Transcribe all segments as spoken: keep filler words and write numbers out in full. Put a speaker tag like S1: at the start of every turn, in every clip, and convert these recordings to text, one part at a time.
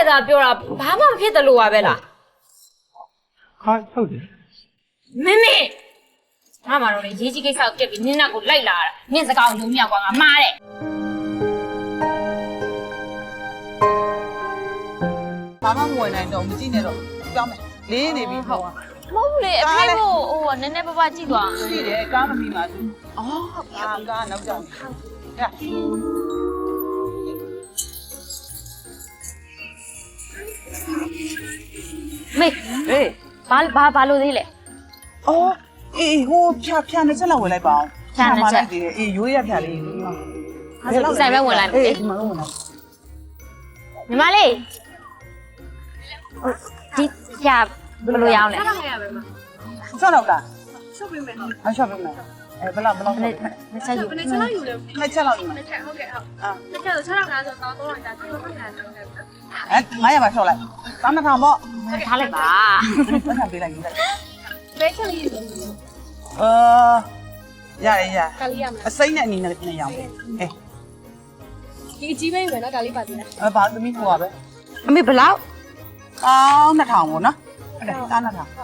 S1: သာပြောတာဘာမှမဖြစ်တယ်လို့ပါပဲလား
S2: ဟာဟုတ်တယ်
S1: မင်းမေငါမှတော့လေရေးကြီးကိစ္စကိုပြက်ပြီးနင်းနောက်ကိုလိုက်လာတာနင်းစကားကိုယုံမြောက်ကွာငါမှားတယ်
S3: ဘာမှမဝင်နိုင်တော့မကြည့်နဲ့တော့ကြောင်းမယ်လေးနေပြီဟုတ်
S1: မဟုတ်လေအဖေကိုဟိုနည်းနည်းပါးပါးကြည့်သွား
S3: ရှိတယ်ကားမပြီးပါဘူးအော်ကားကားနောက်ကြောင်းဟဲ့
S1: မေဟေးဘာဘာဘာလို့သေးလဲ
S3: အော်အေးဟိုဖြာဖြာနဲ့ချက်လောက်ဝင်လိုက်ပါအောင်ဖြာနဲ့ချက်အေးရိုးရဖြာလေး
S1: ဟာဆိုဆိုင်ပဲဝင်လိုက်မယ်
S3: အေးဒီမှာတော့ဝင်လိုက်
S1: ညီမလေးဒီဖြာဘယ်လိုရအောင်လဲ
S3: ဆက်တော့လားရှော့ပေးမယ်ဟုတ်ရှော့ပေးမယ်အဲဘယ်လောက်ဘယ်လောက်
S1: နှစ်ချက်ယူ
S3: နှစ်ချက်လောက်ယူလဲနှစ်ချက်လောက်ယူ
S4: နှစ်ချက်ဟုတ်ကဲ့ဟုတ်အာနှစ်ချက်ဆိုခြေထောက်လားဆိုတော့တော့တော့ဒါတော့ပတ်ထားတယ်
S3: အဲငါးရပါရှော့လိုက်တောင်းတစ်ထောင်ပေါ့
S1: ထားလိုက်ပါ
S3: ပတ်ထားပေးလိုက်ယူလိုက်
S4: ဘယ်ချက်လေးယူ
S3: အာရရရ
S4: ကလေးရမှာ
S3: အစိမ့်နဲ့အနီနဲ့နဲ့ရောင်းအေး
S4: ဒီအကြီးပဲယူမယ်နော်ဒါလေးပါသေးလား
S3: အဲဘာသမီးဟိုပါပဲ
S1: အမေဘယ်လောက်
S3: အောင်းနှစ်ထောင်ပေါ့နော်ဟုတ်တယ်တားနှစ်ထောင်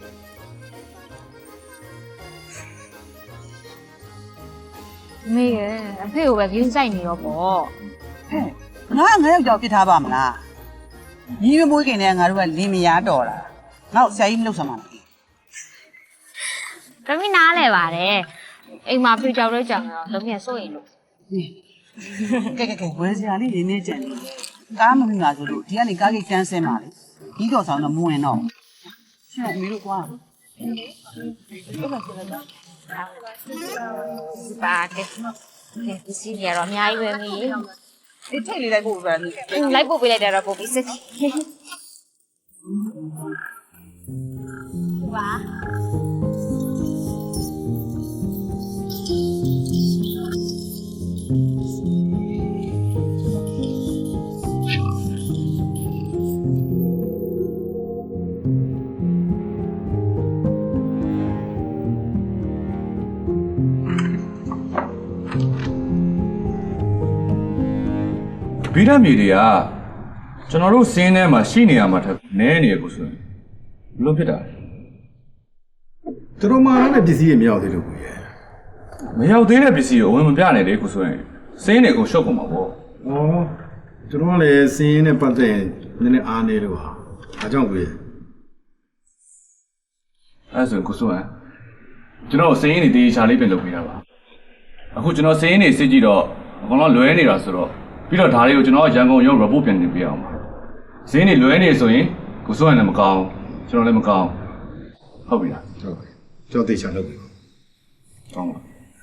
S1: မေရအဖေကိုပဲဂင်းဆိုင်နေရောပေါ့
S3: ဟဲ့ငါငါရောက်ကြောက်ပြစ်ထားပါမလားညီမမွေးခင်တည်းကငါတို့ကလင်းမယားတော်လာနောက်ဆရာကြီးမလုပ်ဆမ်းပါနဲ့
S1: တမီးနားလဲပါတယ်အိမ်မှာဖေကြောက်တော့ကြောက်တော့တမီးကစိုးရင်လို့
S3: ကဲကဲကဲဝယ်စရာလေးနေနေကြတယ်ကားမမိပါဆိုလို့ဒီကနေကားကြီးတန်းဆင်းပါလေဒီတော်ဆောင်တော့မဝင်တော့ရှင့်အမေတို့ကွာ
S1: ပါတယ်ကဲစီရတော့အများကြီးပဲမီး
S3: အေးထိတ်လေးလိုက်ဖို့ပဲ
S1: လိုက်ပို့ပေးလိုက်တယ်တော့ပို့ပြီးစစ်ဝါ
S2: ဗီဓမြေတွေကကျွန်တော်တို့စင်းထဲမှာရှိနေရမှာထက်နဲနေရကိုဆိုရင်ဘလို့ဖြစ်တာ
S5: သူတို့မှလည်းပစ္စည်းတွေမရောက်သေးလို့ကိုရ
S2: မရောက်သေးတဲ့ပစ္စည်းကိုအဝင်မပြနိုင်လေကိုဆိုရင်စင်းတွေကိုရှုပ်ကုန်မှာပေါ့
S5: ဩသူတို့ကလည်းစင်းနဲ့ပတ်သက်ရင်နည်းနည်းအားနေလို့ဟာအကြောင်းကိုရ
S2: အဲ့ဆိုကိုဆိုရင်ကျွန်တော်စင်းတွေတေးချာလေးပြင်လုပ်ပေးတာပါအခုကျွန်တော်စင်းတွေစစ်ကြည့်တော့အကောင်လုံးလွဲနေတာဆိုတော့ပြီးတော့ဒါတွေကိုကျွန်တော်ရန်ကုန်ရုံး report ပြန်တင်ပေးအောင်ပါဈေးနေလွဲနေဆိုရင်ကိုစိုးရင်လည်းမကောင်းကျွန်တော်လည်းမကောင်းဟုတ်ပြီလား
S5: ဟုတ်ပြီကျွန်တော်သိချာလုပ်ပြီ
S2: ကောင်းပါ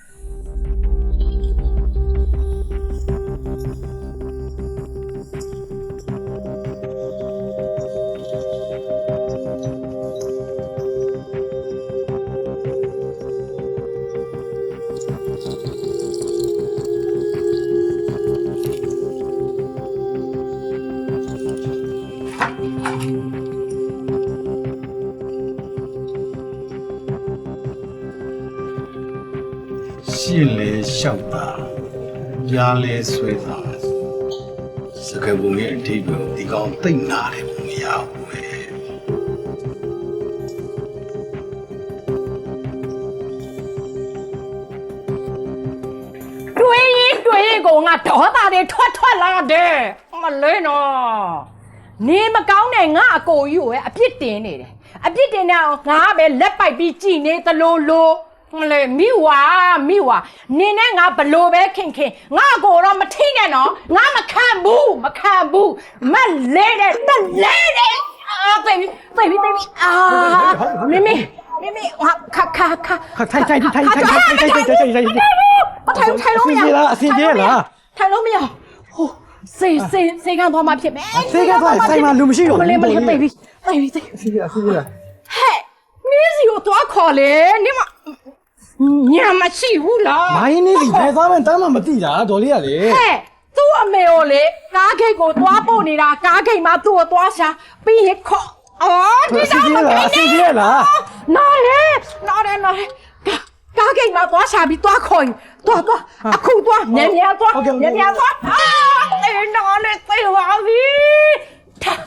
S5: ရှင်းလေလျှောက်တာကြားလေဆွဲတာစကားပုံရဲ့အထိပ္ပယ်ဒီကောင်သိမ့်နာတယ်မရဘူးပဲ
S6: တွေးရင်တွေးရင်ကိုငါဒေါသတွေထွက်ထွက်လာတယ်မလဲနော်နေမကောင်းတဲ့ငါအကိုကြီးကိုပဲအပြစ်တင်နေတယ်အပြစ်တင်နေအောင်ငါကပဲလက်ပိုက်ပြီးကြည်နေသလိုလိုမလဲမိဝါမိဝါနင်းနဲ့ငါဘလို့ပဲခင်ခင်ငါကိုတော့မထိနဲ့နော်ငါမခံဘူးမခံဘူးမလဲတဲ့တလဲတဲ့အာဘေဘီဘေဘီဘေဘီအာမမမမခါခါခါ
S7: ထိုင်ထိုင်ထိုင်ထိုင်ထိုင်ထိုင်ထိုင်ထိုင်ထိုင်ထိုင်ထိုင်
S6: ထိုင်ထိုင်လို့မရ
S7: အစင်ပြေလား
S6: ထိုင်လို့မရဟိုစေစေစေကန်သွားမှဖြစ်မယ်
S7: စေကန်သွားဆိုင်မှာလူမရှိတော့
S6: ဘူးမလေးမလေးဘေဘီဘေဘီ
S7: အစင်ပြေအစင်ပြေလား
S6: ဟဲ့မင်းစီကိုသွားခေါ်လေနင်မညာမရှိဘူးလား
S7: မိုင်းနေပြီဘယ်သားမှတမ်းမှမသိတာဒေါ်လေးကလေ
S6: ဟဲ့သူ့အမေကိုလေကားဂိတ်ကိုသွားပို့နေတာကားဂိတ်မှာသူ့ကိုသွားရှာပြီးရင်ခေါ်အော်ဒီတော့မကိန်း
S7: နေလား
S6: နော်လေနော်လေနော်လေကားဂိတ်မှာသွားရှာပြီးသွားခေါ်ရင်သွားသွားအခုသွားမြန်မြန်သွားမြန်မြန်သွားအာအေးနော်လေသိပါပြီထား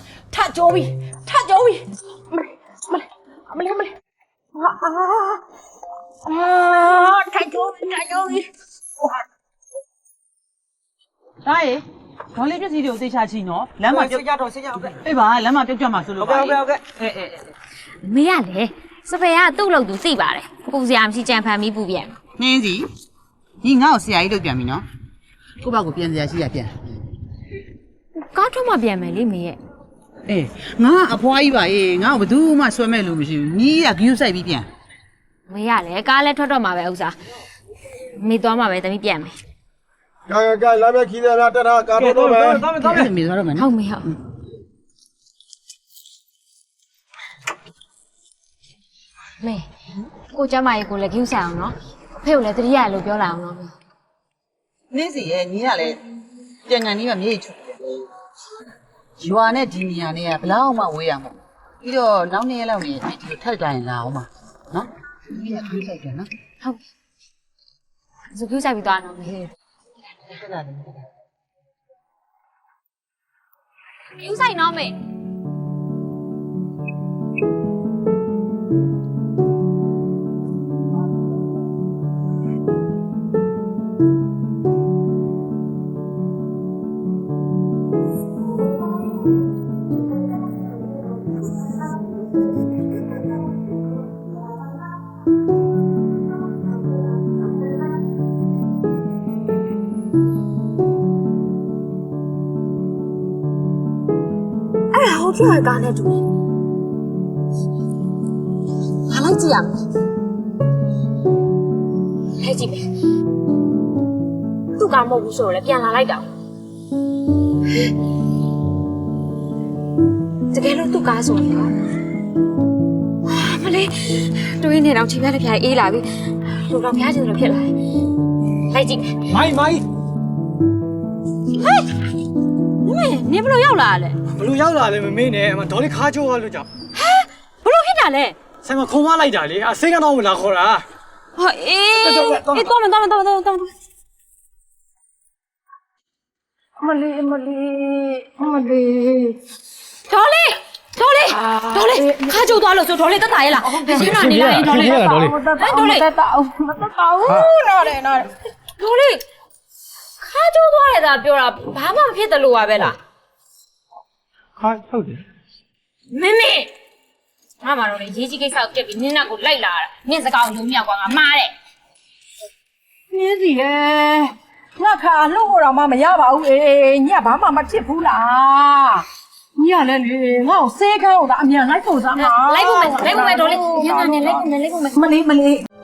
S3: ဒေါ်လေးပစ္စည်းတွေကိုသိချချီနော်လမ်းမှာပြုတ်ကြတော့ဆေးကြဟုတ်ကဲ့အေးပါလမ်းမှာပြုတ်ကြမှာဆိုလို့ဟုတ်ကဲ့ဟုတ်ကဲ့အေးအေး
S1: မေရလေစပယ်ကသူ့လို့သူသိပါတယ်ပူစရာမရှိကြံဖန်ပြီးပူပြန်
S3: နှင်းစီဒီငါ့ကိုဆရာကြီးလုပ်ပြန်ပြီနော်ကိုယ့်ဘက်ကိုပြန်စရာရှိရပြန်
S1: ကားထွက်မှပြန်မယ်လေမေရဲ့
S3: အေးငါအဖွားကြီးပါရေးငါ့ကိုဘယ်သူမှဆွဲမဲ့လို့မရှိဘူးညီးရဂယူးဆိုင်ပြီးပြန်
S1: မေရလေကားလည်းထွက်တော့မှာပဲဥစားမေသွားမှာပဲတမီးပြန်မယ်
S7: ကဲကဲလာပဲခီးတယ်လားတက်တာကားတော့တော့မယ်
S3: သွားမယ်သွားမယ်မေသွားတော့မယ်
S1: ဟု
S3: နော်
S1: တ်မေဟုတ်မေကိုကျမရေကိုလည်းဂယူးဆိုင်အောင်နော်ဖေကိုလည်းတတိယလို့ပြောလာအောင်နော်မေ
S3: နှင်းစီရဲ့ညီးရလဲပြန်ကန်ကြီးကမြေကြီးချူတယ်ရွာနဲ့ဒီနေရာနဲ့ကဘလောက်မှဝေးရမှာပြီးတော့နောက်နေ့ရက်လောက်နေဒီလိုထပ်ကြရင်လာအောင်ပါနော်ညီးရထွေးလိုက်တယ်နော်
S1: ဟုတ်ဇူဂယူးဆိုင်ပြီးသွားတော့မေ
S3: တက်လာတယ်
S1: ဂယူးဆိုင်နော်မေ အဲ့ဟိုထွက်ကားနဲ့တူငါလိုက်ကြည့်ရမယ်လိုက်ကြည့်မယ်သူ့ကားမဟုတ်ဘူးဆိုတော့လည်းပြန်လာလိုက်တော့တကယ်လို့သူ့ကားဆိုရင်တော့မလေးတွေးနေတော့ချိန်ပြတဲ့ဖျားအေးလာပြီလူတော်ဖျားချင်တယ်လို့ဖြစ်လာတယ်လိုက်ကြည့်မယ်
S7: မိုင်းမိုင်း
S1: ဟဲ့မမေနင်ဘယ်လိုရောက်လာလဲ
S7: ဘလူရောက်လာလဲမမေးနဲ့အမဒေါ်လေးခါချိုးသွားလို့ကြောင့်
S1: ဘယ်လိုဖြစ်တာလဲ
S7: ဆိုင်မှာခုံမလိုက်တာလေအစိမ်းကတော့မလာခေါ်တာ
S1: ဟာအေးအေးတော့မယ်တော့မယ်တော့မယ်တော့မယ်တော့မယ်မလေးမလေးမလေးဒေါ်လေးဒေါ်လေးဒေါ်လေးခါကြိုးသွားလို့ဆိုဒေါ်လေးတက်တာရဲ့လားရှင်းတော့နေလာရင်ဒေါ်လေးဒေါ်လေးဒေါ်လေးတက်တာအောင်မတက်တာဘူးနော်လေနော်ဒေါ်လေးခါကြိုးသွားရတာပြောတာဘာမှမဖြစ်တယ်လို့ပါပဲလား
S7: ခါဟုတ်တယ်
S1: မမေငါမတော်လေရေးကြီးကိစ္စကိုပြက်ပြီးနင်းနာကိုလိုက်လာတာနင်းစကားကိုလုံးမြောက်ကွာငါမှားတဲ့
S6: နင်းစီလေငါခါလှုပ်ဖို့တော့မှမရပါဘူးအေးညဘာမှမဖြစ်ဘူးလားညလည်းလေငါ့ကိုစေးခန်းကိုသာအမြန်လိုက်ဖို့သားမှာ
S1: လိုက်ဖို့မယ်လိုက်ဖို့မယ်ဒေါ်လေးညနေလိုက်ဖို့မယ်လိုက်ဖို့မယ်
S6: မလေးမလေး